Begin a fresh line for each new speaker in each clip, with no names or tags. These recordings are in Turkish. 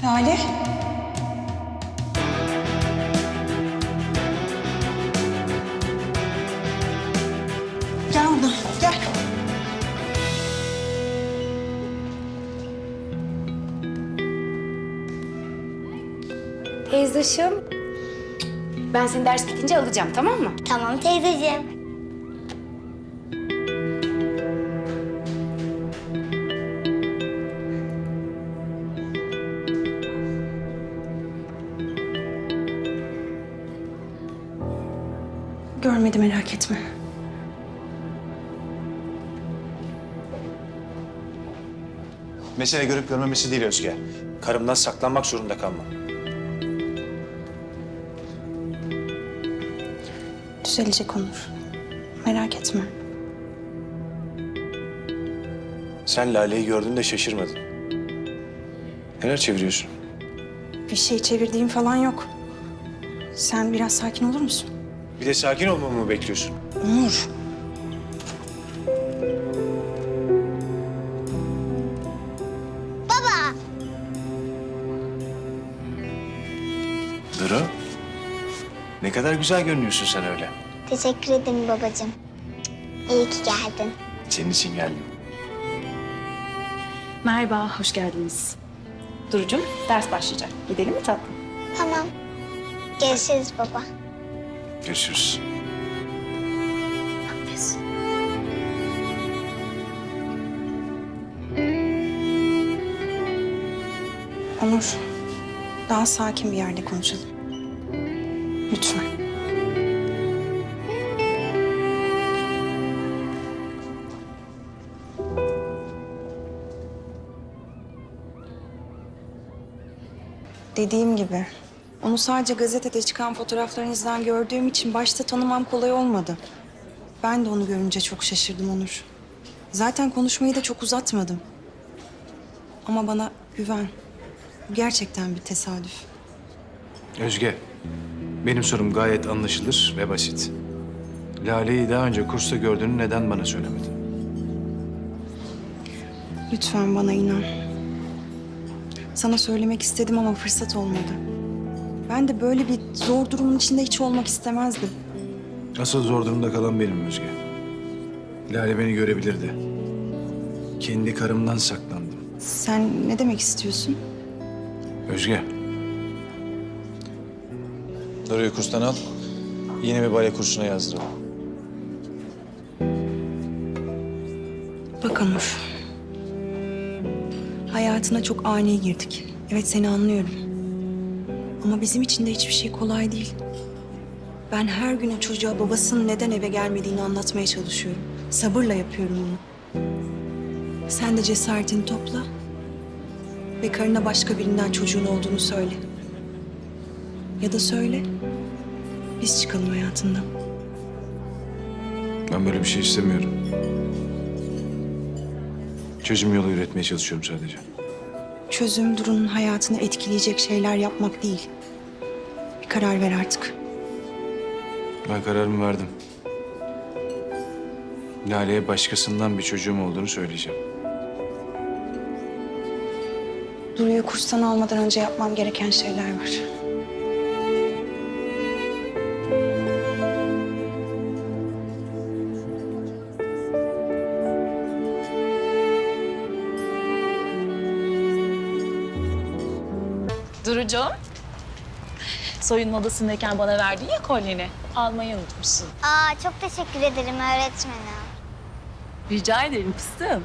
Lale. Gel buradan, gel.
Teyzoşum, ben seni ders bitince alacağım, tamam mı?
Tamam teyzeciğim.
Görmedi, merak etme.
Mesele görüp görmemesi değil Özge. Karımdan saklanmak zorunda kalmam.
Düzelecek Onur. Merak etme.
Sen Lale'yi gördüğünde şaşırmadın. Neler çeviriyorsun?
Bir şey çevirdiğim falan yok. Sen biraz sakin olur musun?
Bir de sakin olmamı mı bekliyorsun?
Onur.
Baba.
Duru. Ne kadar güzel görünüyorsun sen öyle.
Teşekkür ederim babacığım. İyi ki geldin.
Senin için geldim.
Merhaba, hoş geldiniz. Duru'cum, ders başlayacak. Gidelim mi tatlım?
Tamam. Görüşürüz baba.
Görüşürüz.
Onur. Daha sakin bir yerde konuşalım. Lütfen. Dediğim gibi, onu sadece gazetede çıkan fotoğraflarınızdan gördüğüm için başta tanımam kolay olmadı. Ben de onu görünce çok şaşırdım Onur. Zaten konuşmayı da çok uzatmadım. Ama bana güven. Bu gerçekten bir tesadüf.
Özge, benim sorum gayet anlaşılır ve basit. Lale'yi daha önce kursta gördüğünü neden bana söylemedin?
Lütfen bana inan. Sana söylemek istedim ama fırsat olmadı. Ben de böyle bir zor durumun içinde hiç olmak istemezdim.
Asıl zor durumda kalan benim Özge. Lale beni görebilirdi. Kendi karımdan saklandım.
Sen ne demek istiyorsun?
Özge. Duru'yu kurstan al. Yeni bir bale kursuna yazdıralım.
Bak Onur. Hayatına çok ani girdik. Evet, seni anlıyorum. Ama bizim için de hiçbir şey kolay değil. Ben her gün o çocuğa babasının neden eve gelmediğini anlatmaya çalışıyorum. Sabırla yapıyorum bunu. Sen de cesaretini topla. Ve karına başka birinden çocuğun olduğunu söyle. Ya da söyle. Biz çıkalım hayatından.
Ben böyle bir şey istemiyorum. Çözüm yolu üretmeye çalışıyorum sadece.
Çözüm Duru'nun hayatını etkileyecek şeyler yapmak değil. Bir karar ver artık.
Ben kararımı verdim. Lale'ye başkasından bir çocuğum olduğunu söyleyeceğim.
Duru'yu kurstan almadan önce yapmam gereken şeyler var.
Duru'cum, soyunma odasındayken bana verdiğin ya kolyeni. Almayı unutmuşsun.
Çok teşekkür ederim öğretmenim.
Rica ederim fıstığım.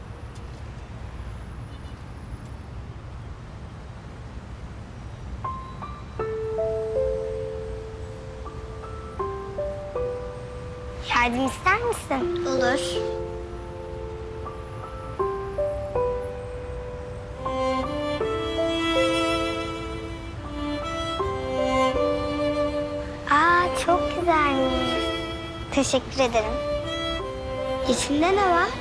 Yardım ister misin? Olur. Çok güzelmiş. Teşekkür ederim. İçinde ne var?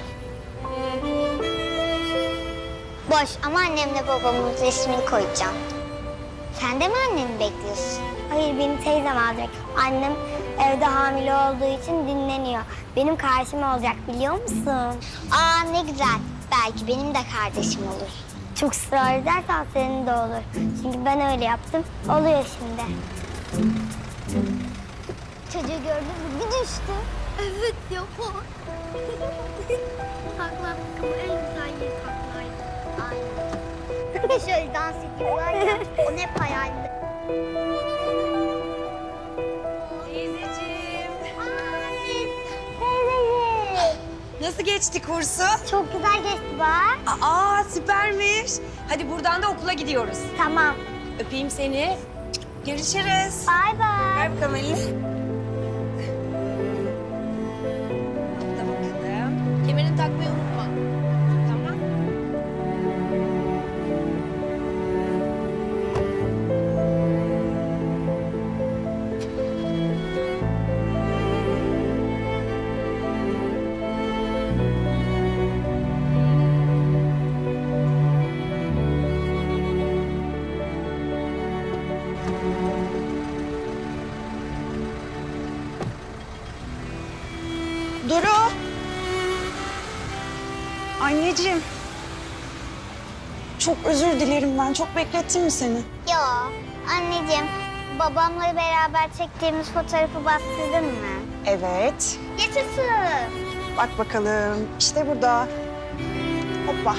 Boş ama annemle babamın resmini koyacağım. Sen de mi anneni bekliyorsun? Hayır, beni teyzem alacak. Annem evde hamile olduğu için dinleniyor. Benim kardeşim olacak, biliyor musun? Ne güzel. Belki benim de kardeşim olur. Çok ısrar edersen senin de olur. Çünkü ben öyle yaptım. Oluyor şimdi. Çocuğu gördün mü? Bir düştü. Evet ya. Taklattık ama en güzel yeri taklaydı. Aynen. Bir de şöyle dans ediyorlar ya. O hep hayalimde.
Teyzeciğim.
Teyzeciğim.
Nasıl geçti kursu?
Çok güzel geçti bak.
Aa süpermiş. Hadi buradan da okula gidiyoruz.
Tamam.
Öpeyim seni. Görüşürüz.
Bay bay.
Ver bakalım elini. Burada bakalım. Kemerini takmayı unutma. Tamam. Duru. Anneciğim. Çok özür dilerim ben. Çok beklettim mi seni?
Yo, anneciğim, babamla beraber çektiğimiz fotoğrafı bastırdın mı?
Evet.
Yaşasın.
Bak bakalım. İşte burada. Hoppa.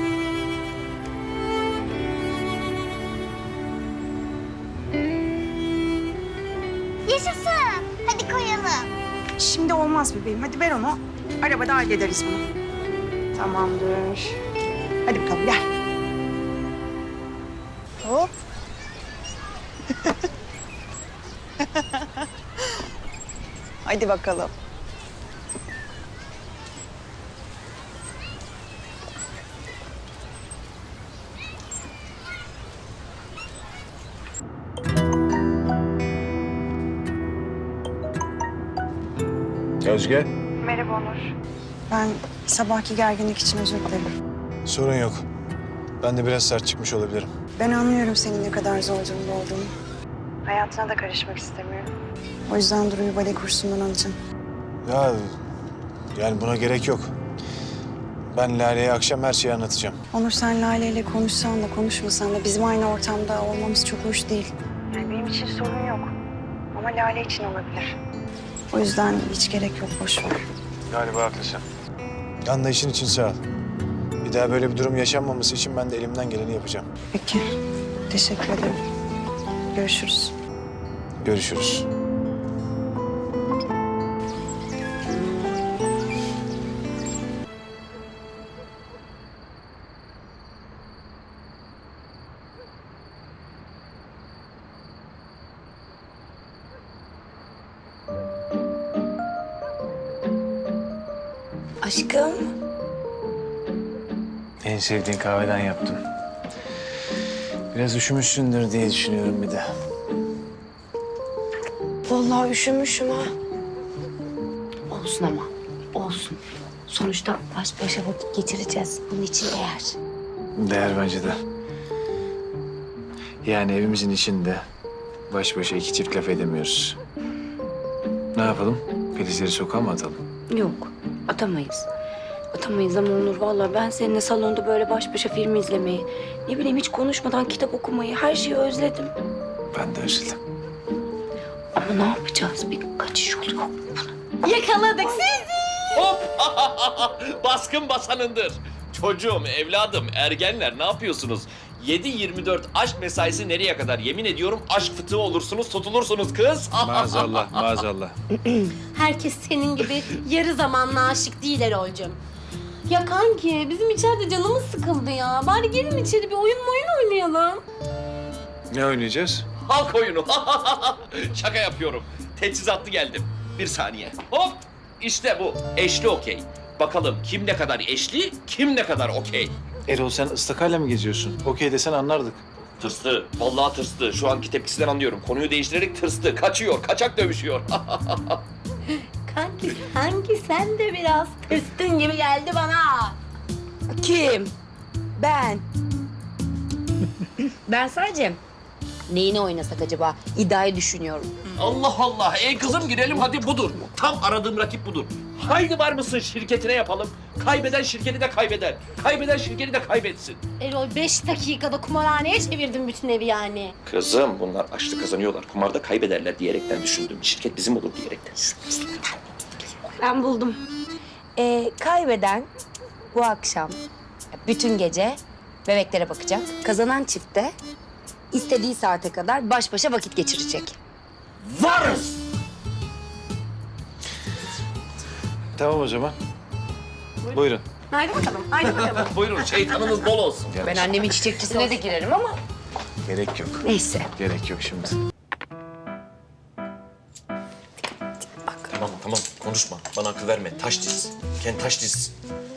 Yaşasın. Hadi koyalım.
Şimdi olmaz bebeğim. Hadi ver onu. Arabada hallederiz bunu. Tamamdır. Hadi bakalım gel.
Hop.
Hadi bakalım.
Özge.
Merhaba Onur. Ben sabahki gerginlik için özür dilerim.
Sorun yok. Ben de biraz sert çıkmış olabilirim.
Ben anlıyorum senin ne kadar zor durumda olduğunu. Hayatına da karışmak istemiyorum. O yüzden Duru'yu bale kursundan alacağım.
Ya yani buna gerek yok. Ben Lale'ye akşam her şeyi anlatacağım.
Onur sen Lale ile konuşsan da konuşmasan da bizim aynı ortamda olmamız çok hoş değil. Yani benim için sorun yok. Ama Lale için olabilir. O yüzden hiç gerek yok, boş ver.
Galiba haklısın. Anlayışın için sağ ol. Bir daha böyle bir durum yaşanmaması için ben de elimden geleni yapacağım.
Peki, teşekkür ederim. Görüşürüz.
Görüşürüz.
Aşkım.
En sevdiğin kahveden yaptım. Biraz üşümüşsündür diye düşünüyorum bir de.
Vallahi üşümüşüm ha. Olsun ama, olsun. Sonuçta baş başa vakit geçireceğiz. Bunun için değer.
Değer bence de. Yani evimizin içinde baş başa iki çift laf edemiyoruz. Ne yapalım? Filizleri sokağa mı atalım?
Yok, atamayız. Atamayız ama Onur vallahi ben seninle salonda böyle baş başa film izlemeyi, ne bileyim hiç konuşmadan kitap okumayı, her şeyi özledim.
Ben de özledim.
Ama ne yapacağız? Bir kaçış yolu yok mu bunun?
Yakaladık sizi. Hop! Baskın basanındır. Çocuğum, evladım, ergenler ne yapıyorsunuz? 7-24 aşk mesaisi nereye kadar? Yemin ediyorum aşk fıtığı olursunuz, tutulursunuz kız.
Maazallah, maazallah.
Herkes senin gibi yarı zamanlı aşık değil Erol'cum. Ya kanki bizim içeride canımız sıkıldı ya. Bari gelin içeri bir oyun oynayalım.
Ne oynayacağız?
Halk oyunu. Şaka yapıyorum. Teçhizatlı geldim. Bir saniye. Hop! İşte bu. Eşli okey. Bakalım kim ne kadar eşli, kim ne kadar okey.
Erol sen ıstakayla mı geziyorsun? Okey desen anlardık.
Tırstı. Vallahi tırstı. Şu anki tepkisinden anlıyorum. Konuyu değiştirerek tırstı. Kaçıyor. Kaçak dövüşüyor.
Kanki sanki sen de biraz tırstın gibi geldi bana.
Kim? Ben. Ben sadece Neyini oynasak acaba? İddiayı düşünüyorum.
Allah Allah. Kızım girelim hadi budur. Tam aradığım rakip budur. Haydi var mısın şirketine yapalım. Kaybeden şirketi de kaybeder. Kaybeden şirketi de kaybetsin.
Erol 5 dakikada kumarhaneye çevirdin bütün evi yani.
Kızım bunlar açlı kazanıyorlar. Kumarda kaybederler diyerekten düşündüm. Şirket bizim olur diyerekten.
Ben buldum. Kaybeden bu akşam bütün gece bebeklere bakacak. Kazanan çift de istediği saate kadar baş başa vakit geçirecek.
Varız!
Tamam o zaman. Buyurun.
Haydi bakalım, haydi bakalım.
Buyurun şeytanınız bol olsun.
Ben annemin çiçekçisine de girerim ama
Gerek yok.
neyse.
Gerek yok şimdi.
Tamam konuşma. Bana akıl verme. Taş diz. Kendi taş diz.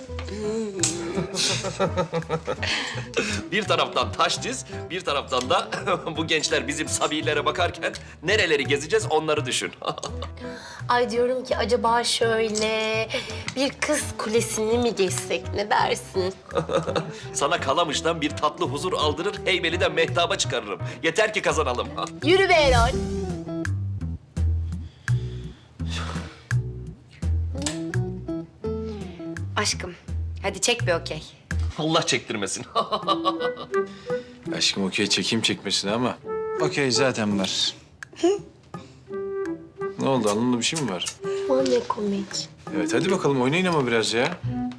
Bir taraftan taş diz, bir taraftan da bu gençler bizim sabilere bakarken nereleri gezeceğiz onları düşün.
Ay diyorum ki acaba şöyle bir kız kulesini mi geçsek ne dersin?
Sana Kalamış'tan bir tatlı huzur aldırır, Heybeli'den mehtaba çıkarırım. Yeter ki kazanalım.
Yürü be Erol.
Aşkım, hadi çek bir okey.
Allah çektirmesin.
Aşkım okey çekeyim çekmesine ama. Okey zaten var. Ne oldu alnında bir şey mi var?
O ne komik.
Evet hadi bakalım oynayın ama biraz ya.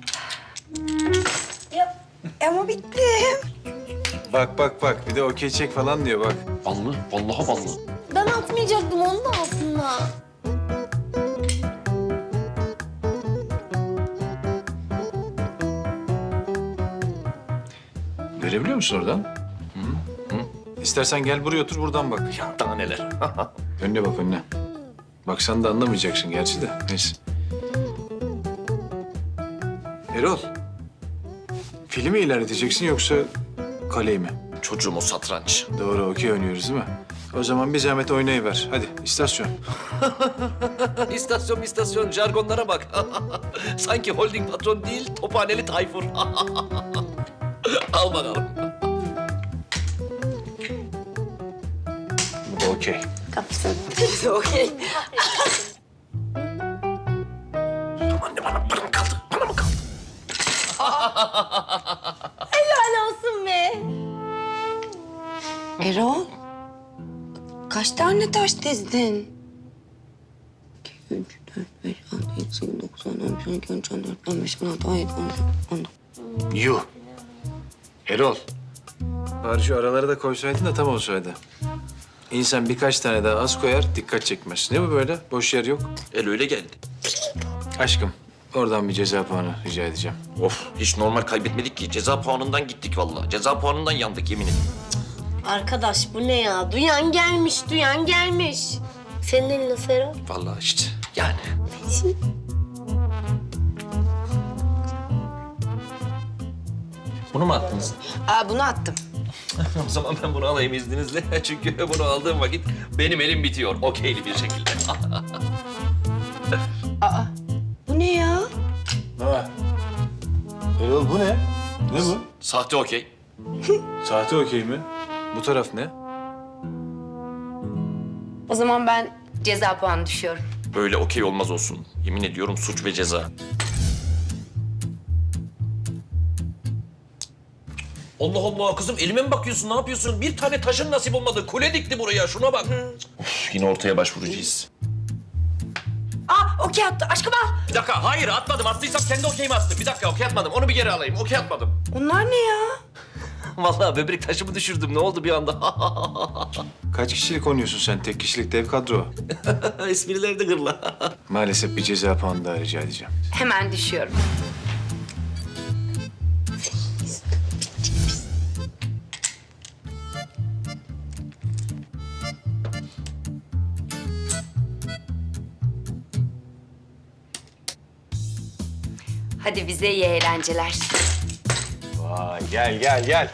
Ama bitti.
Bak bir de okey çek falan diyor bak.
Ballı, vallahi ballı.
Ben atmayacaktım onu da aslında.
Görebiliyor musun oradan? Hı? İstersen gel buraya otur buradan bak.
Ya daha neler.
Önüne bak önüne. Baksan da anlamayacaksın gerçi de. Neyse. Erol. Filmi ilerleteceksin yoksa kaleyi mi?
Çocuğum o satranç.
Doğru okey oynuyoruz değil mi? O zaman bir zahmet oynayıver. Hadi istasyon.
İstasyon jargonlara bak. Sanki holding patron değil, tophaneli Tayfur. Al bakalım.
Bu da okey.
Okey.
Anne bana mı kaldı? Bana mı kaldı?
Helal olsun be.
Erol, kaç tane taş dizdin? 2, 3, 4, 5, 6, 7, 8, 9, 10, 11, 12, 13, 14, 15, 16, 17, 18, 19.
Yuh. Erol. Bari şu aralara da koysaydın da tam olsaydı. İnsan birkaç tane daha az koyar, dikkat çekmez. Ne bu böyle? Boş yer yok.
El öyle geldi.
Aşkım, oradan bir ceza puanı rica edeceğim.
Of, hiç normal kaybetmedik ki. Ceza puanından gittik vallahi. Ceza puanından yandık yemin ederim.
Arkadaş bu ne ya? Duyan gelmiş. Senin elin nasıl Erol?
Vallahi işte yani. Bunu mu attınız?
Bunu attım.
O zaman ben bunu alayım izninizle. Çünkü bunu aldığım vakit benim elim bitiyor. Okeyli bir şekilde.
Bu ne ya?
Ha. Erol bu ne? Ne bu?
Sahte okey.
Sahte okey mi? Bu taraf ne?
O zaman ben ceza puanı düşüyorum.
Böyle okey olmaz olsun. Yemin ediyorum suç ve ceza. Allah Allah kızım elime mi bakıyorsun? Ne yapıyorsun? Bir tane taşın nasip olmadı. Kule dikti buraya. Şuna bak. Of, yine ortaya başvuracağız.
Okey attı. Aşkım al.
Bir dakika. Hayır atmadım. Attıysam kendi okeyimi attım. Bir dakika okey atmadım. Onu bir geri alayım. Okey atmadım.
Bunlar ne ya?
Vallahi böbrek taşımı düşürdüm. Ne oldu bir anda?
Kaç kişilik oynuyorsun sen? Tek kişilik dev kadro.
Esprileri de gırla.
Maalesef bir ceza puanı daha rica edeceğim.
Hemen düşüyorum. Hadi bize iyi eğlenceler.
Vay gel.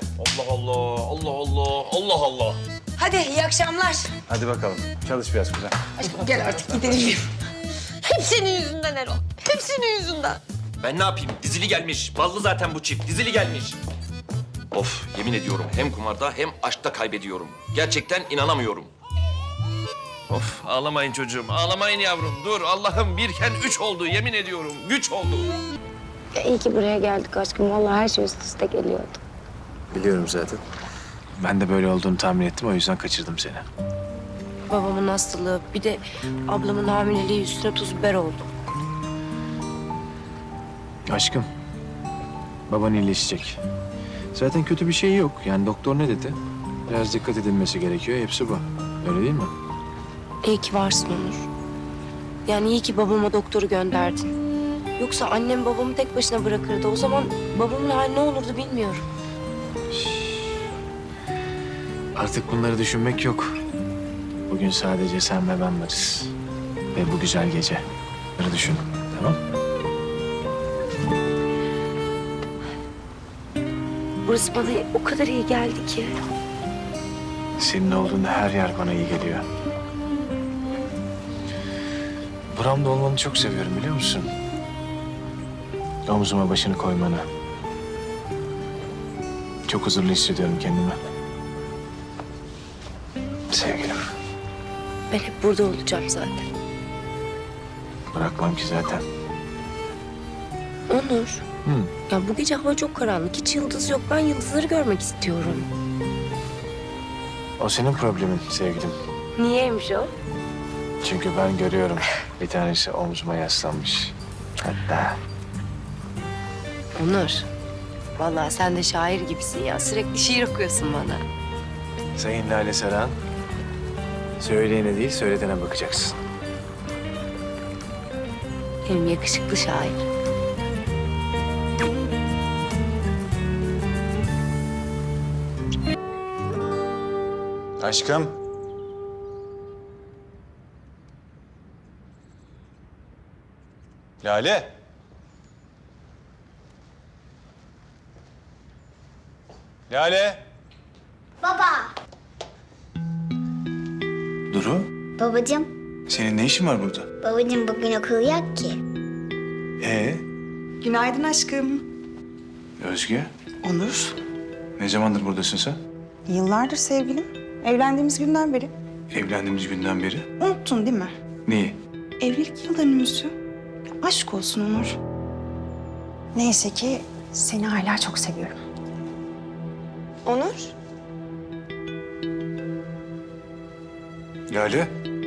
Allah Allah.
Hadi iyi akşamlar.
Hadi bakalım. Çalış biraz güzel.
Aşkım gel artık gidelim.
Hep senin yüzünden Erol. Hep senin yüzünden.
Ben ne yapayım? Dizili gelmiş. Ballı zaten bu çift. Dizili gelmiş. Of, yemin ediyorum hem kumarda hem aşkta kaybediyorum. Gerçekten inanamıyorum. Of, ağlamayın çocuğum, ağlamayın yavrum. Dur, Allah'ım birken 3 oldu, yemin ediyorum. Güç oldu.
İyi ki buraya geldik aşkım. Vallahi her şey üst üste geliyordu.
Biliyorum zaten. Ben de böyle olduğunu tahmin ettim, o yüzden kaçırdım seni.
Babamın hastalığı, bir de ablamın hamileliği üstüne tuz biber oldu.
Aşkım, baban iyileşecek. Zaten kötü bir şey yok. Yani doktor ne dedi? Biraz dikkat edilmesi gerekiyor, hepsi bu. Öyle değil mi?
İyi ki varsın Onur. Yani iyi ki babama doktoru gönderdin. Yoksa annem babamı tek başına bırakırdı. O zaman babamın hali ne olurdu bilmiyorum.
Artık bunları düşünmek yok. Bugün sadece sen ve ben varız. Ve bu güzel gece. Bunları düşün, tamam?
Burası bana o kadar iyi geldi ki.
Senin olduğunda her yer bana iyi geliyor. Buramda olmanı çok seviyorum, biliyor musun? Omzuma başını koymanı. Çok huzurlu hissediyorum kendimi. Sevgilim,
Ben hep burada olacağım zaten.
bırakmam ki zaten.
Onur.
Hı.
Ya bu gece hava çok karanlık. Hiç yıldız yok. Ben yıldızları görmek istiyorum.
O senin problemin sevgilim.
Niyeymiş o?
Çünkü ben görüyorum. Bir tanesi omzuma yaslanmış. Hatta
Onur. Vallahi sen de şair gibisin ya. Sürekli şiir okuyorsun bana.
Sayın Lale Saran, söyleyene değil söyletene bakacaksın.
Benim yakışıklı şair.
Aşkım. Lale. Lale.
Baba.
Duru,
Babacığım.
senin ne işin var burada?
Babacığım bugün okul yok ki.
Günaydın aşkım.
Özge,
Onur.
ne zamandır buradasın sen?
Yıllardır sevgilim. Evlendiğimiz günden beri.
Evlendiğimiz günden beri.
Unuttun değil mi?
Neyi?
Evlilik yıl dönümümüzü. Aşk olsun Onur. Neyse ki seni hala çok seviyorum. Onur?
Lale.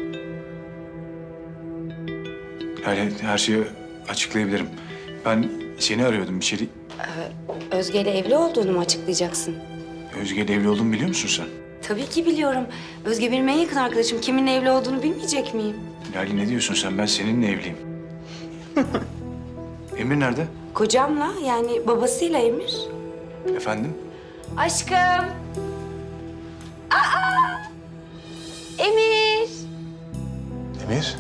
Lale, her şeyi açıklayabilirim. Ben seni arıyordum bir şey.
Özge ile evli olduğunu mu açıklayacaksın?
Özge ile evli olduğumu biliyor musun sen?
Tabii ki biliyorum. Özge benim en yakın arkadaşım. Kiminle evli olduğunu bilmeyecek miyim?
Lale ne diyorsun sen? Ben seninle evliyim. Emir nerede?
Kocamla, yani babasıyla Emir.
Efendim?
Aşkım. Aa! Emir.
Emir?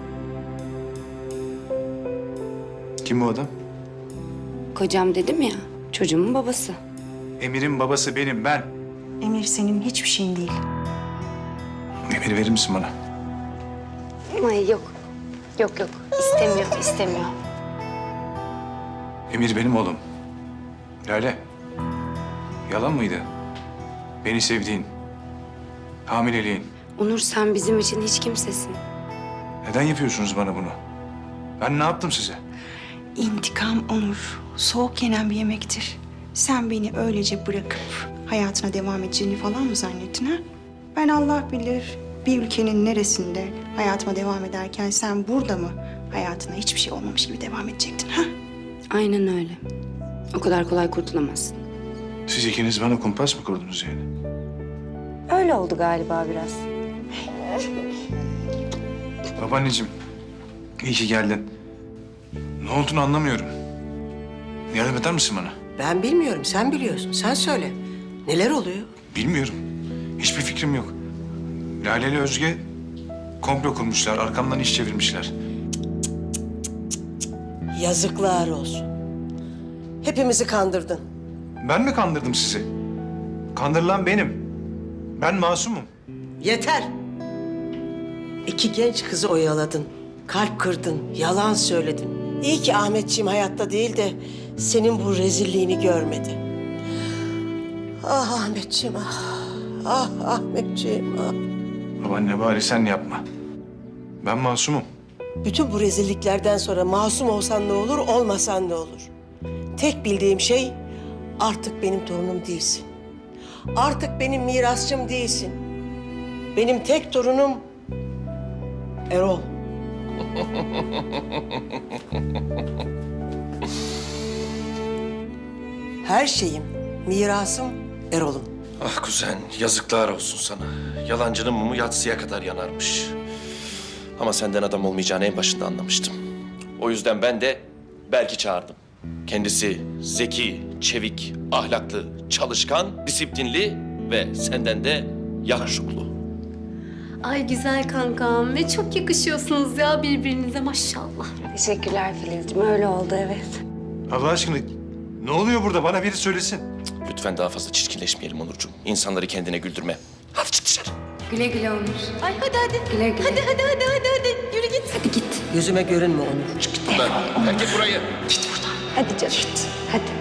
Kim bu adam?
Kocam dedim ya, çocuğumun babası.
Emir'in babası benim, ben.
Emir senin hiçbir şeyin değil.
Emir'i verir misin bana?
Ay yok. Yok. İstemiyor.
Emir benim oğlum. Lale. Yalan mıydı? Beni sevdiğin, hamileliğin.
Onur sen bizim için hiç kimsesin.
Neden yapıyorsunuz bana bunu? Ben ne yaptım size?
İntikam Onur. Soğuk yenen bir yemektir. Sen beni öylece bırakıp hayatına devam edeceğini falan mı zannettin ha? Ben Allah bilir bir ülkenin neresinde hayatıma devam ederken sen burada mı hayatına hiçbir şey olmamış gibi devam edecektin ha?
Aynen öyle. O kadar kolay kurtulamazsın.
Siz ikiniz bana kumpas mı kurdunuz yani?
Öyle oldu galiba biraz.
Babaanneciğim, iyi ki geldin. Ne olduğunu anlamıyorum. Yardım eder misin bana?
Ben bilmiyorum, sen biliyorsun. Sen söyle. Neler oluyor?
Bilmiyorum. Hiçbir fikrim yok. Lale ile Özge komplo kurmuşlar, arkamdan iş çevirmişler.
Yazıklar olsun. Hepimizi kandırdın.
Ben mi kandırdım sizi? Kandırılan benim. Ben masumum.
Yeter. İki genç kızı oyaladın. Kalp kırdın, yalan söyledin. İyi ki Ahmetciğim hayatta değil de senin bu rezilliğini görmedi. Ah Ahmetciğim ah. Ah Ahmetciğim ah.
Babaanne bari sen yapma. Ben masumum.
Bütün bu rezilliklerden sonra masum olsan ne olur, olmasan ne olur? Tek bildiğim şey artık benim torunum değilsin. Artık benim mirasçım değilsin. Benim tek torunum Erol. Her şeyim, mirasım Erol'um.
Ah kuzen, yazıklar olsun sana. Yalancının mumu yatsıya kadar yanarmış. Ama senden adam olmayacağını en başında anlamıştım. O yüzden ben de Berk'i çağırdım. Kendisi zeki, çevik, ahlaklı, çalışkan, disiplinli ve senden de yakışıklı.
Ay güzel kankam ve çok yakışıyorsunuz ya birbirinize maşallah.
Teşekkürler Filizciğim. Öyle oldu evet.
Allah aşkına ne oluyor burada? Bana biri söylesin.
Lütfen daha fazla çirkinleşmeyelim Onurcuğum. İnsanları kendine güldürme. Hadi çık dışarı.
Güle güle Onur.
Ay hadi.
Güle güle.
Hadi. Yürü git.
Hadi git.
Gözüme görünme Onur.
Ben, terk et burayı.
Hadi canım. Hadi.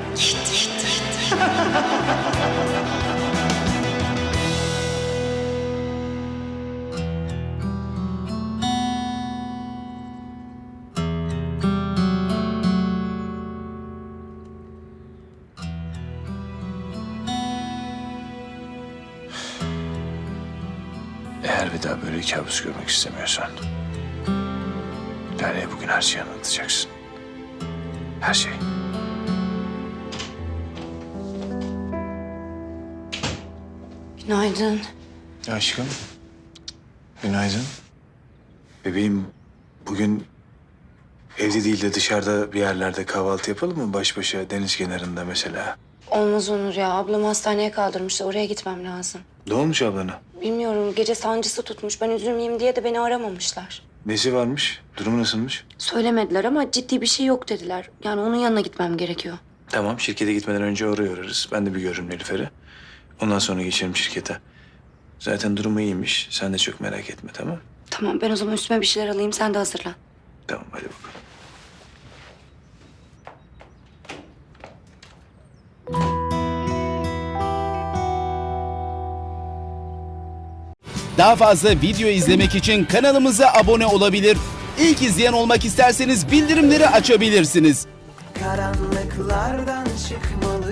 Eğer bir daha böyle kabus görmek istemiyorsan... Lale'ye bugün her şeyi anlatacaksın. Her şey.
Günaydın.
Aşkım. Günaydın. Bebeğim bugün evde değil de dışarıda bir yerlerde kahvaltı yapalım mı? Baş başa deniz kenarında mesela.
Olmaz Onur ya. Ablam hastaneye kaldırmıştı. Oraya gitmem lazım.
Ne olmuş ablana?
Bilmiyorum. Gece sancısı tutmuş. Ben üzülmeyeyim diye de beni aramamışlar.
Nesi varmış? Durumu nasılmış?
Söylemediler ama ciddi bir şey yok dediler. Yani onun yanına gitmem gerekiyor.
Tamam, şirkete gitmeden önce oraya uğrarız. Ben de bir görürüm Nilüfer'i. Ondan sonra geçerim şirkete. Zaten durumu iyiymiş. Sen de çok merak etme, tamam?
Tamam ben o zaman üstüme bir şeyler alayım. Sen de hazırlan.
Tamam, hadi bakalım.
Daha fazla video izlemek için kanalımıza abone olabilir. İlk izleyen olmak isterseniz bildirimleri açabilirsiniz.
Karanlıklardan çıkmalı